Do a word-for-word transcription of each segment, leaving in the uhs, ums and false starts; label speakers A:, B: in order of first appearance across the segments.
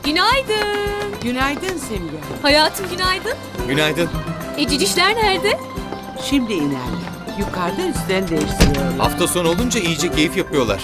A: Günaydın.
B: Günaydın Simge.
A: Hayatım günaydın.
C: Günaydın.
A: E cicişler nerede?
B: Şimdi inerler. Yukarıda üstlerini değiştiriyorlar.
C: Hafta sonu olunca iyice keyif yapıyorlar.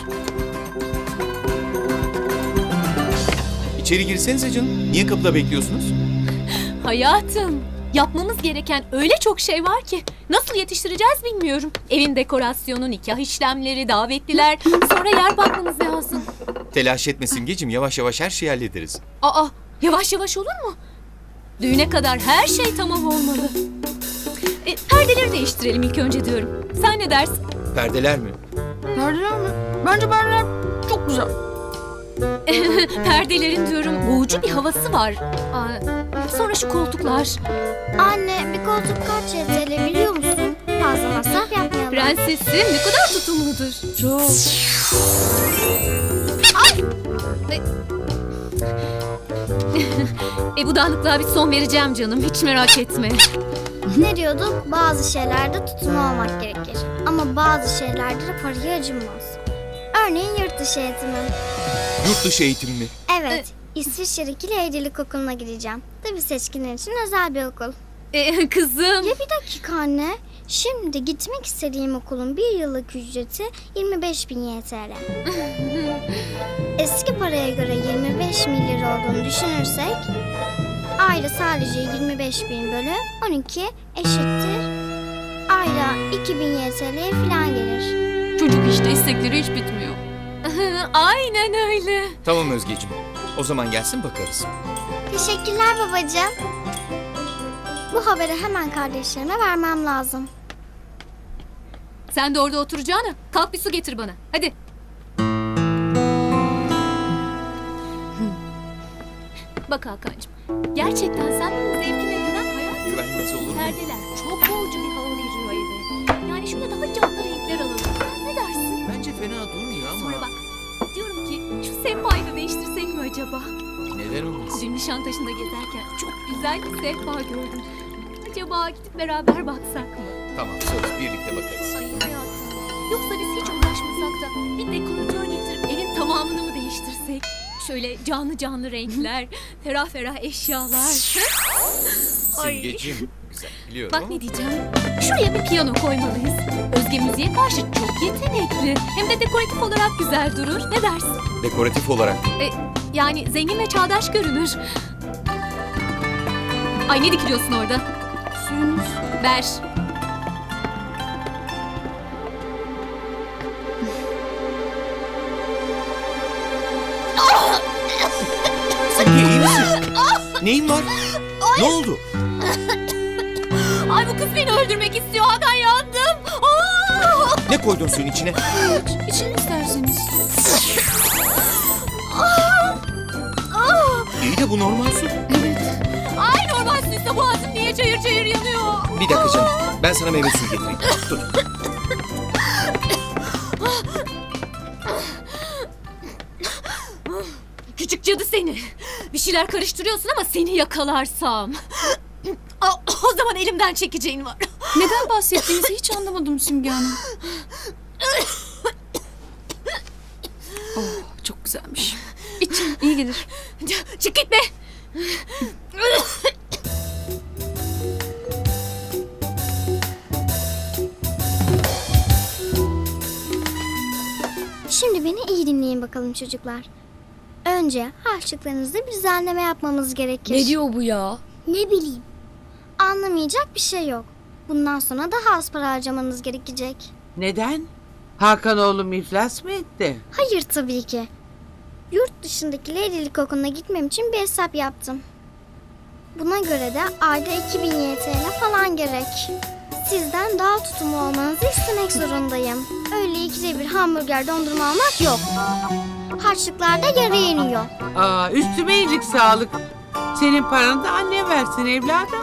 C: İçeri girsenize canım. Niye kapıda bekliyorsunuz?
A: Hayatım. Yapmamız gereken öyle çok şey var ki. Nasıl yetiştireceğiz bilmiyorum. Evin dekorasyonu, nikah işlemleri, davetliler. Sonra yer bakmamız lazım.
C: Telaş etme Simgeciğim. Yavaş yavaş her şeyi hallederiz.
A: Aa, yavaş yavaş olur mu? Düğüne kadar her şey tamam olmalı. E, perdeleri değiştirelim ilk önce diyorum. Sen ne dersin?
C: Perdeler mi?
D: Perdeler mi? Bence perdeler çok güzel.
A: Perdelerin diyorum boğucu bir havası var. Aa, sonra şu koltuklar.
E: Anne bir koltuk kaç Y T L biliyor musun? Fazla masraf yapmayalım.
A: Prensesim ne kadar tutumludur.
D: Çok.
A: E bu dağınıklığa bir son vereceğim canım. Hiç merak etme.
E: Ne diyorduk? Bazı şeylerde tutumlu olmak gerekir. Ama bazı şeylerde de paraya acınmaz. Örneğin yurt dışı eğitimi.
C: Yurt dışı eğitim mi?
E: Evet, İsviçre'deki Leydilik Okulu'na gideceğim. Tabii seçkinler için özel bir okul.
A: E, kızım.
E: Ya bir dakika anne. Şimdi gitmek istediğim okulun bir yıllık ücreti yirmi beş bin Y T L. Eski paraya göre yirmi beş bin lira olduğunu düşünürsek ayda sadece yirmi beş bin bölü on iki eşittir. Ayda iki bin Y T L falan gelir.
A: Çocuk işte istekleri hiç bitmiyor. Aynen öyle.
C: Tamam Özgeciğim. O zaman gelsin bakarız.
E: Teşekkürler babacığım. Bu haberi hemen kardeşlerime vermem lazım.
A: Sen de orada oturacağına kalk bir su getir bana. Hadi. Bak Hakan'cığım. Gerçekten sen benim zevkime güven hayatım.
C: Güvenmesi olur mu?
A: Perdeler çok boğucu bir hava veriyor eve. Yani şöyle daha canlı renkler alalım. Ne dersin?
C: Bence fena durmuyor ama...
A: Sonra bak. Diyorum ki şu sehpayı da değiştirsek mi acaba?
C: Neden olmaz?
A: Dün Nişantaşı'nda gezerken çok güzel bir sehpa gördüm. Acaba gidip beraber baksak mı?
C: Tamam söz birlikte bakarız.
A: Ay hayatım. Yoksa biz hiç uğraşmasak da bir dekoratör getirip evin tamamını mı değiştirsek? Şöyle canlı canlı renkler, ferah ferah eşyalar.
C: Simgeciğim. Güzel biliyorum
A: Bak
C: ama...
A: ne diyeceğim. Şuraya bir piyano koymalıyız. Özge müziğe karşı çok yetenekli. Hem de dekoratif olarak güzel durur. Ne dersin?
C: Dekoratif olarak.
A: E, yani zengin ve çağdaş görünür. Ay ne dikiliyorsun orada?
D: Suyunuz.
A: Ver.
C: Simge iyi misin? Neyin var? Ne oldu?
A: Ay bu kız beni öldürmek istiyor. Hakan yandım. Aa!
C: Ne koydun suyun içine?
D: İçin isterseniz.
C: İyi de bu normal su.
A: Ay normal suysa boğazım niye çayır çayır yanıyor?
C: Bir dakika canım. Ben sana meyve suyu getireyim. Dur.
A: Küçük cadı seni. Bir şeyler karıştırıyorsun ama seni yakalarsam. Aa, o zaman elimden çekeceğin var.
D: Neden bahsettiğinizi hiç anlamadım Simge Hanım. Oh, çok güzelmiş. İçin iyi gelir.
A: Çık git be.
E: Şimdi beni iyi dinleyin bakalım çocuklar. Önce harçlıklarınızda bir düzenleme yapmamız gerekir.
D: Ne diyor bu ya?
E: Ne bileyim. Anlamayacak bir şey yok. Bundan sonra daha az para harcamanız gerekecek.
B: Neden? Hakan oğlum iflas mı etti?
E: Hayır tabii ki. Yurt dışındaki Leydilik Okulu'na gitmem için bir hesap yaptım. Buna göre de ayda iki bin Y T L falan gerek. Sizden daha tutumlu olmanızı istemek zorundayım. Öyle ikide bir hamburger dondurma almak yok. Harçlıklar da yarıya iniyor.
B: Aa, üstüme iyilik sağlık. Senin paranı da anne versin evladım.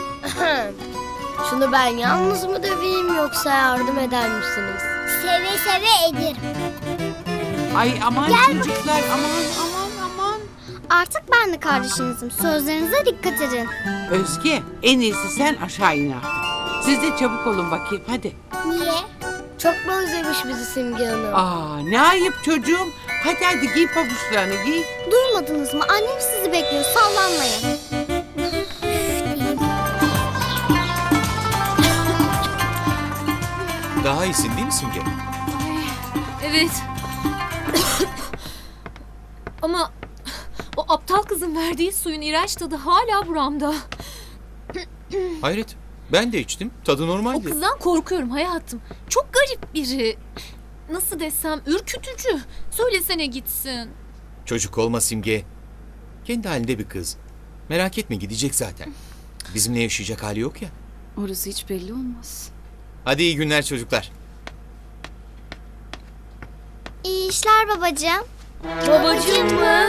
F: Şunu ben yalnız mı döveyim yoksa yardım eder misiniz?
E: Seve seve ederim.
B: Ay aman çocuklar aman aman aman.
E: Artık ben de kardeşinizim. Sözlerinize dikkat edin.
B: Özge en iyisi sen aşağı in artık. Siz de çabuk olun bakayım hadi.
E: Niye?
F: Çok mu özlemiş bizi Simge Hanım?
B: Aa, ne ayıp çocuğum. Hadi hadi giy pabuçlarını giy.
E: Durmadınız mı? Annem sizi bekliyor. Sallanmayın.
C: Daha iyisin değil mi Simge?
A: Evet. Ama o aptal kızın verdiği suyun iğrenç tadı hala buramda.
C: Hayret. Ben de içtim. Tadı
A: O
C: normaldi.
A: kızdan korkuyorum hayatım. Çok garip biri. Nasıl desem, ürkütücü. Söylesene gitsin.
C: Çocuk olma Simge. Kendi halinde bir kız. Merak etme, gidecek zaten. Bizimle yaşayacak hali yok ya.
D: Orası hiç belli olmaz.
C: Hadi iyi günler çocuklar.
E: İyi işler babacığım.
F: Babacığım mı?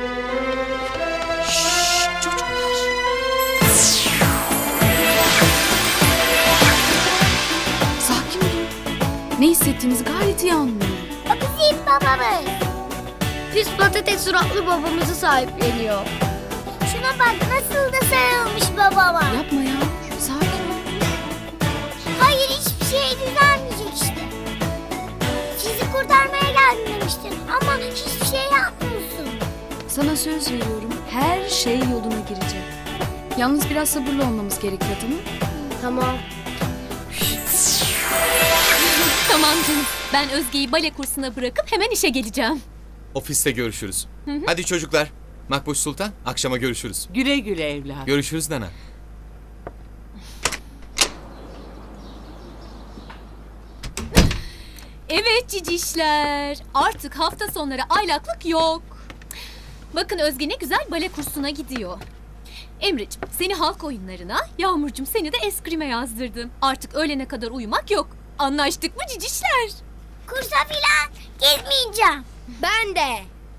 D: Sakin olun. Ne hissettiğinizi gayet iyi anlıyorum.
E: Bizim babamız.
F: Pis patates suratlı babamızı sahipleniyor.
E: Şuna bak nasıl da sarılmış babama.
D: Yapma ya. Sakin ol.
E: Hayır hiçbir şey düzelmeyecek işte. Sizi kurtarmaya geldim demiştin ama hiçbir şey yapmıyorsun.
D: Sana söz veriyorum. Her şey yoluna girecek. Yalnız biraz sabırlı olmamız gerekiyor, tamam mı?
F: Tamam.
A: Tamam canım. Ben Özge'yi bale kursuna bırakıp hemen işe geleceğim.
C: Ofiste görüşürüz. Hadi çocuklar. Makbuş Sultan, akşama görüşürüz.
B: Güle güle evladım.
C: Görüşürüz Nana.
A: Evet cicişler. Artık hafta sonları aylaklık yok. Bakın Özge ne güzel bale kursuna gidiyor. Emre'cim seni halk oyunlarına, Yağmur'cum seni de eskrime yazdırdım. Artık öğlene kadar uyumak yok. Anlaştık mı cicişler?
E: Kursa filan gitmeyeceğim.
F: Ben de.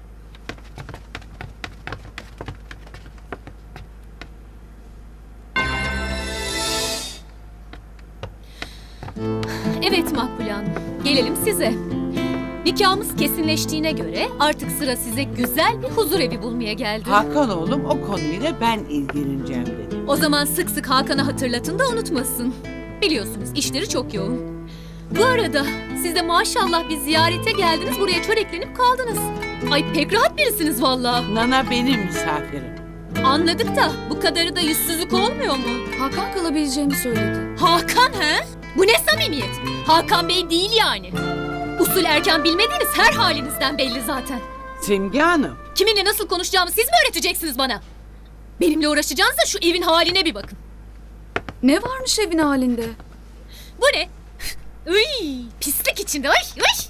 A: Evet Makbule Hanım, gelelim size. Nikahımız kesinleştiğine göre artık sıra size güzel bir huzur evi bulmaya geldi.
B: Hakan oğlum o konuyla ben ilgileneceğim dedi.
A: O zaman sık sık Hakan'a hatırlatın da unutmasın. Biliyorsunuz işleri çok yoğun. Bu arada siz de maşallah bir ziyarete geldiniz, buraya çöreklenip kaldınız. Ay pek rahat birisiniz vallahi.
B: Nana benim misafirim.
A: Anladık da bu kadarı da yüzsüzlük olmuyor mu?
D: Hakan kalabileceğini söyledi.
A: Hakan he? Bu ne samimiyet? Hakan Bey değil yani. Usul erken bilmediğiniz her halinizden belli zaten.
B: Simge Hanım.
A: Kiminle nasıl konuşacağımı siz mi öğreteceksiniz bana? Benimle uğraşacağınıza şu evin haline bir bakın.
D: Ne varmış evin halinde?
A: Bu ne? Uy, pislik içinde. Uy, uy.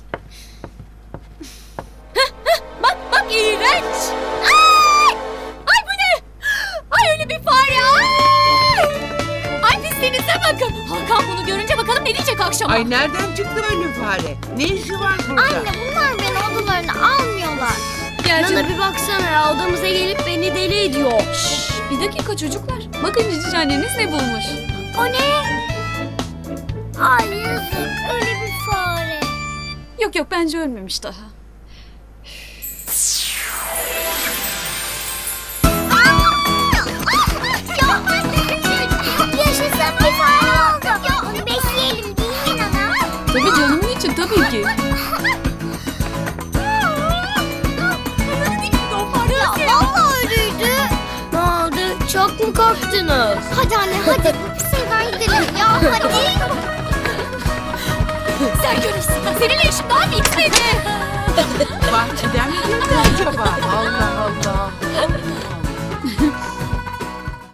A: Hah, hah, bak bak iğrenç. Ay! Ay bu ne? Ay öyle bir fare. Ay! Ay pisliğinize bakın. Hakan bunu görünce bakalım ne diyecek akşama.
B: Ay nereden çıktı öyle fare? Ne işi var burada?
E: Anne bunlar beni odalarına almıyorlar.
A: Gel canım.
F: Nana bir baksana ya, odamıza gelip beni deli ediyor.
D: Şşş, bir dakika çocuklar. Bakın cici anneniz ne bulmuş.
E: O ne? Ay yazık öyle bir fare.
D: Yok yok bence ölmemiş daha.
E: Yaşasın bir fare oldu. Ya onu besleyelim değil mi Nana?
D: Tabii canımın için tabii ki.
E: Ya vallahi öyleydi.
F: Ne oldu? Çok mu korktunuz?
E: Hadi anne hadi bu pis evden gidelim ya hadi.
A: Sen görürsün. Seninle işim daha bitmedi.
B: Bahçeden mi girdin?